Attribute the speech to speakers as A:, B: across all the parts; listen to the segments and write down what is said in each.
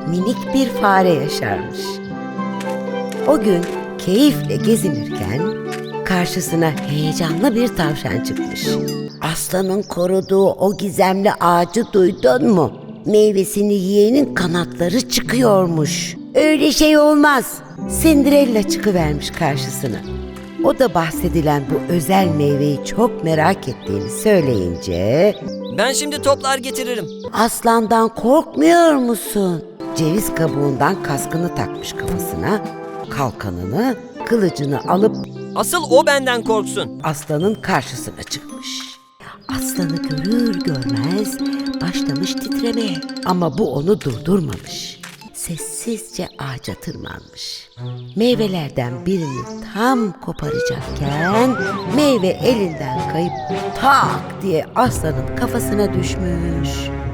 A: minik bir fare yaşarmış. O gün keyifle gezinirken karşısına heyecanlı bir tavşan çıkmış. Aslanın koruduğu o gizemli ağacı duydun mu? Meyvesini yiyenin kanatları çıkıyormuş. Öyle şey olmaz. Cinderella çıkıvermiş karşısına. O da bahsedilen bu özel meyveyi çok merak ettiğini söyleyince
B: Ben şimdi toplar getiririm.
A: aslandan korkmuyor musun? Ceviz kabuğundan kaskını takmış kafasına, kalkanını, kılıcını alıp
B: Asıl o benden korksun.
A: aslanın karşısına çıkmış. Aslanı görür görmez başlamış titremeye ama bu onu durdurmamış. Sessizce ağaca tırmanmış. Meyvelerden birini tam koparacakken meyve elinden kayıp tak diye aslanın kafasına düşmüş.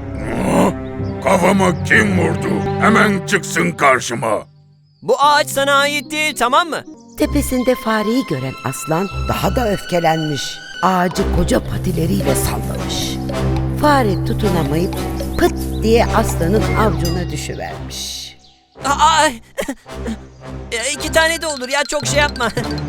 C: Kafamı kim vurdu? Hemen çıksın karşıma.
B: Bu ağaç sana ait değil, tamam mı?
A: Tepesinde fareyi gören aslan daha da öfkelenmiş. Ağacı koca patileriyle sallamış. Fare tutunamayıp pıt diye aslanın avcuna düşüvermiş.
B: Aa, 2 tane de olur ya, çok şey yapma.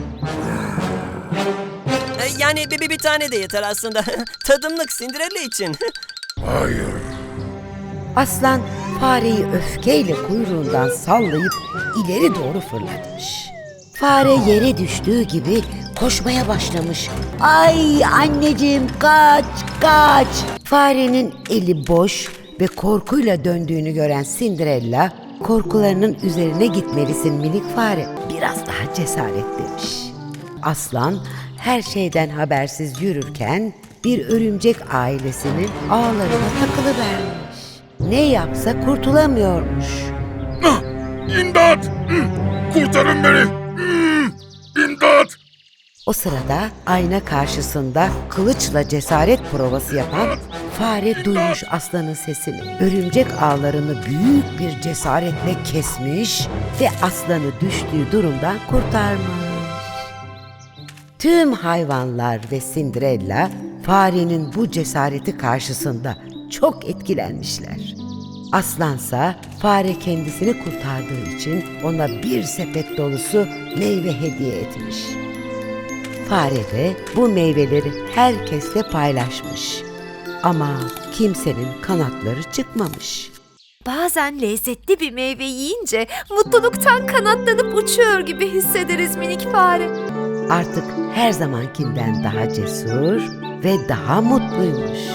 B: Yani bir tane de yeter aslında. Tadımlık Cinderella için.
C: Hayır.
A: Aslan fareyi öfkeyle kuyruğundan sallayıp ileri doğru fırlatmış. Fare yere düştüğü gibi koşmaya başlamış. Ay anneciğim kaç kaç! Farenin eli boş ve korkuyla döndüğünü gören Cinderella, korkularının üzerine gitmelisin minik fare, biraz daha cesaret demiş. Aslan her şeyden habersiz yürürken bir örümcek ailesinin ağlarına takılıvermiş. Ne yapsa kurtulamıyormuş.
C: İmdat! Kurtarın beni! İmdat!
A: O sırada ayna karşısında kılıçla cesaret provası yapan fare duymuş aslanın sesini. Örümcek ağlarını büyük bir cesaretle kesmiş ve aslanı düştüğü durumdan kurtarmış. Tüm hayvanlar ve Cinderella farenin bu cesareti karşısında çok etkilenmişler. Aslansa fare kendisini kurtardığı için ona bir sepet dolusu meyve hediye etmiş. Fare de bu meyveleri herkesle paylaşmış. Ama kimsenin kanatları çıkmamış.
D: Bazen lezzetli bir meyve yiyince mutluluktan kanatlanıp uçuyor gibi hissederiz minik fare.
A: Artık her zamankinden daha cesur ve daha mutluymuş.